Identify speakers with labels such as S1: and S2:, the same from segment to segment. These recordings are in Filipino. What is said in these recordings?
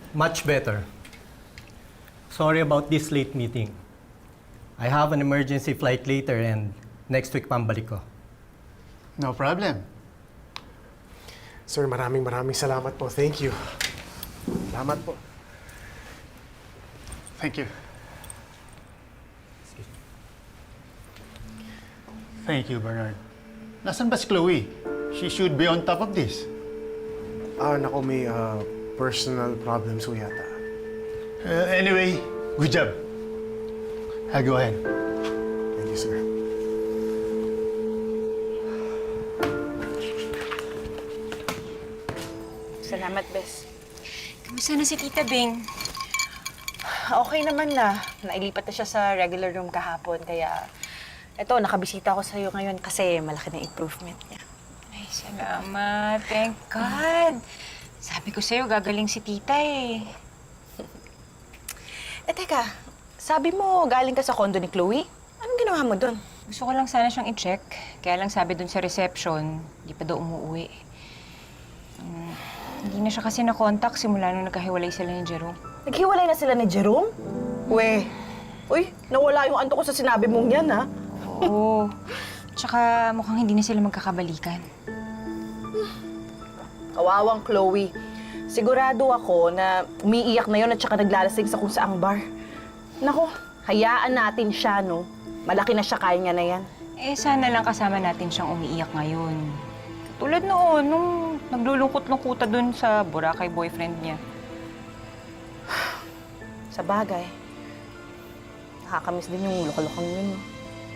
S1: Much better. Sorry about this late meeting. I have an emergency flight later and next week pambalik ko.
S2: No problem.
S3: Sir, maraming salamat po. Thank you. Salamat po.
S2: Thank you. Thank you, Bernard. Nasaan ba si Chloe? She should be on top of this.
S3: Naku, may personal problems po yata.
S2: Anyway, good job. I'll go ahead.
S3: Thank you, sir.
S4: Salamat, Bes.
S5: Kamusta na si Tita Bing?
S4: Okay naman na. Nailipat na siya sa regular room kahapon. Kaya, eto, nakabisita ako sa'yo ngayon kasi malaki na improvement niya.
S5: Ay, salamat. Thank God. Sabi ko sa'yo, gagaling si Tita eh.
S4: Teka. Sabi mo galing ka sa condo ni Chloe? Anong ginawa mo doon?
S5: Gusto ko lang sana siyang i-check. Kaya lang sabi dun sa reception, di pa daw umuwi. Hindi na siya kasi na-contact simula nung nagkahiwalay sila ni Jerome.
S4: Naghiwalay na sila ni Jerome? Uy, nawala yung anto ko sa sinabi mong yan, ha?
S5: Oo. Tsaka mukhang hindi na sila magkakabalikan.
S4: Kawawang Chloe. Sigurado ako na umiiyak na yun at saka naglalasing sa kung saang bar. Naku, hayaan natin siya, no? Malaki na siya, kaya niya na yan.
S5: Eh, sana lang kasama natin siyang umiiyak ngayon. Tulad noon, nung naglulungkot-lungkuta dun sa Boracay boyfriend niya.
S4: Sa bagay. Nakakamiss din yung lokalokang yun, no?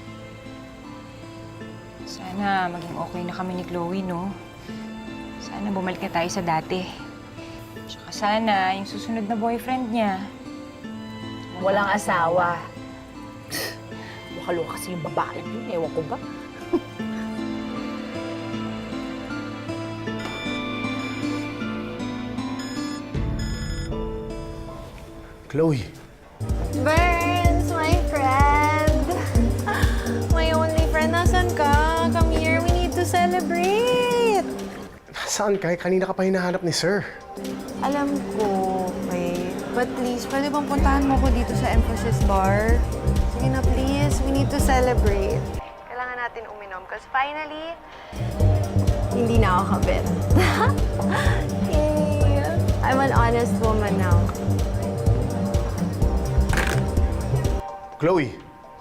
S5: Sana maging okay na kami ni Chloe, no? Sana bumalik na tayo sa dati. Tsaka sana yung susunod na boyfriend niya.
S4: Walang asawa. Lokalo kasi yung babae yun, ewan ko ba?
S3: Chloe.
S6: Burns, my friend! My only friend, nasan ka? Come here, we need to celebrate!
S3: Saan ka? Kanina ka pa hinahanap ni sir.
S6: Alam ko, wait. But please, pwede bang puntahan mo ko dito sa Emphasis Bar? Sige na, please. We need to celebrate. Kailangan natin uminom because finally, hindi na ako kabit. Yay! I'm an honest woman now.
S3: Chloe.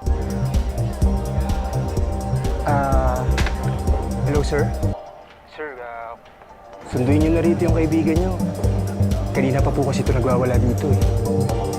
S7: Hello, sir? Sir, sunduin niyo na rito yung kaibigan niyo. Kanina pa po kasi ito nagwawala dito eh.